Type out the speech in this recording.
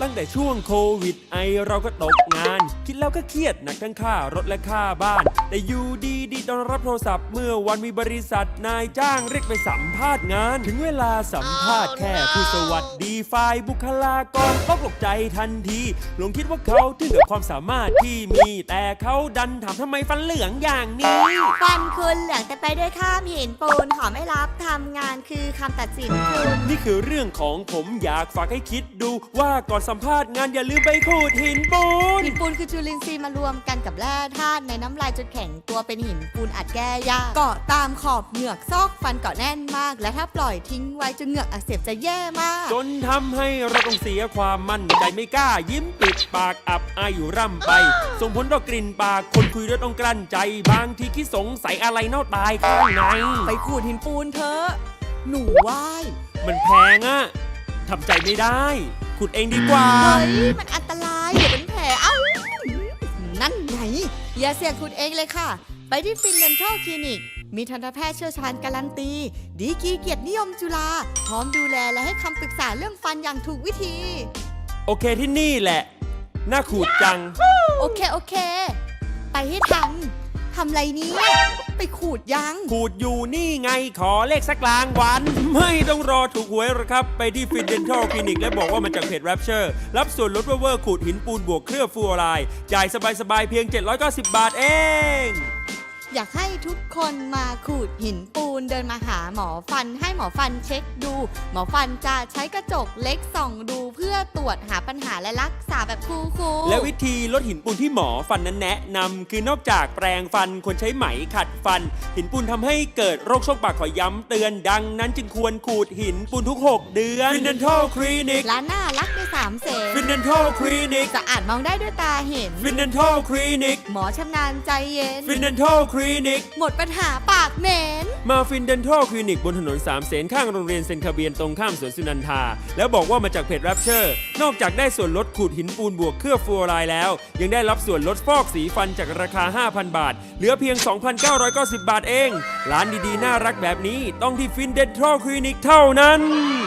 ตั้งแต่ช่วงโควิดเราก็ตกงานคิดแล้วก็เครียดหนักทั้งค่ารถและค่าบ้านแต่อยู่ดีตอนรับโทรศัพท์เมื่อวันมีบริษัทนายจ้างเรียกไปสัมภาษณ์งานถึงเวลาสัมภาษณ์แค่ผู้สวัสดีฝ่ายบุคลากรต้องตกใจทันทีหลงคิดว่าเขาถึงกับความสามารถที่มีแต่เขาดันถามทำไมฟันเหลืองอย่างนี้ฟันคุณเหลืองแต่ไปด้วยข้ามหินปูนขอไม่รับทำงานคือคำตัดสินคุณนี่คือเรื่องของผมอยากฝากให้คิดดูว่าก่อนสัมภาษณ์งานอย่าลืมไปขูดหินปูนหินปูนคือจุลินทรีย์มารวมกันกับแร่ธาตุในน้ำลายจนแข็งตัวเป็นหินปูนอัดแก้ยากเกาะตามขอบเหงือกซอกฟันเกาะแน่นมากและถ้าปล่อยทิ้งไว้จนเหงือกอักเสบจะแย่มากจนทำให้เราต้องเสียความมั่นใจไม่กล้ายิ้มปิดปากอับอายอยู่ร่ำไปส่งผลต่อกลิ่นปากคนคุยด้วยต้องกลั้นใจบางทีคิดสงสัยอะไรเน่าตายข้างในไปขูดหินปูนเถอะหนูว่ายมันแพงอะทำใจไม่ได้ขุดเองดีกว่าเฮ้ยมันอันตรายเดี๋ยวเป็นแผลเอ้านั่นไงอย่าเสี่ยงขุดเองเลยค่ะไปที่ฟินเดนทัลคลินิกมีทันตแพทย์เชี่ยวชาญการันตีดีกรีเกียรตินิยมจุฬาพร้อมดูแลและให้คำปรึกษาเรื่องฟันอย่างถูกวิธีโอเคที่นี่แหละน่าขูดจังโอเคไปให้ทันทำไรนี้ไปขูดยังขูดอยู่นี่ไงขอเลขสักกลางวันไม่ต้องรอถูกหวยหรอกครับไปที่ฟินเดนทัลคลินิกและบอกว่ามาจากเพจ Rapture รับส่วนลดเวอร์ขูดหินปูนบวกเคลือบฟลูออไรด์จ่ายสบายๆเพียง790 บาทเองอยากให้ทุกคนมาขูดหินปูนเดินมาหาหมอฟันให้หมอฟันเช็คดูหมอฟันจะใช้กระจกเล็กส่องดูเพื่อตรวจหาปัญหาและรักษาแบบคูลๆและวิธีลดหินปูนที่หมอฟันนั้นแนะนำคือนอกจากแปรงฟันควรใช้ไหมขัดฟันหินปูนทำให้เกิดโรคช่องปากขอย้ำเตือนดังนั้นจึงควรขูดหินปูนทุก6 เดือน Fin Dental Clinic ร้านน่ารักด้วย3 เสน Fin Dental Clinic สะอาดมองได้ด้วยตาเห็น Fin Dental Clinic หมอชำนาญใจเย็น Fin Dental Clinic หมดปัญหาปากเหม็นมาฟินเดนทัลคลินิกบนถนน3 เสนข้างโรงเรียนเซนคาเบียนตรงข้ามสวนสุนันทาแล้วบอกว่ามาจากเพจ Rapture นอกจากได้ส่วนลดขูดหินปูนบวกเคลือบฟลูออไรด์แล้วยังได้รับส่วนลดฟอกสีฟันจากราคา 5,000 บาทเหลือเพียง 2,990 บาทเองร้านดีๆน่ารักแบบนี้ต้องที่ฟินเดนทัลคลินิกเท่านั้น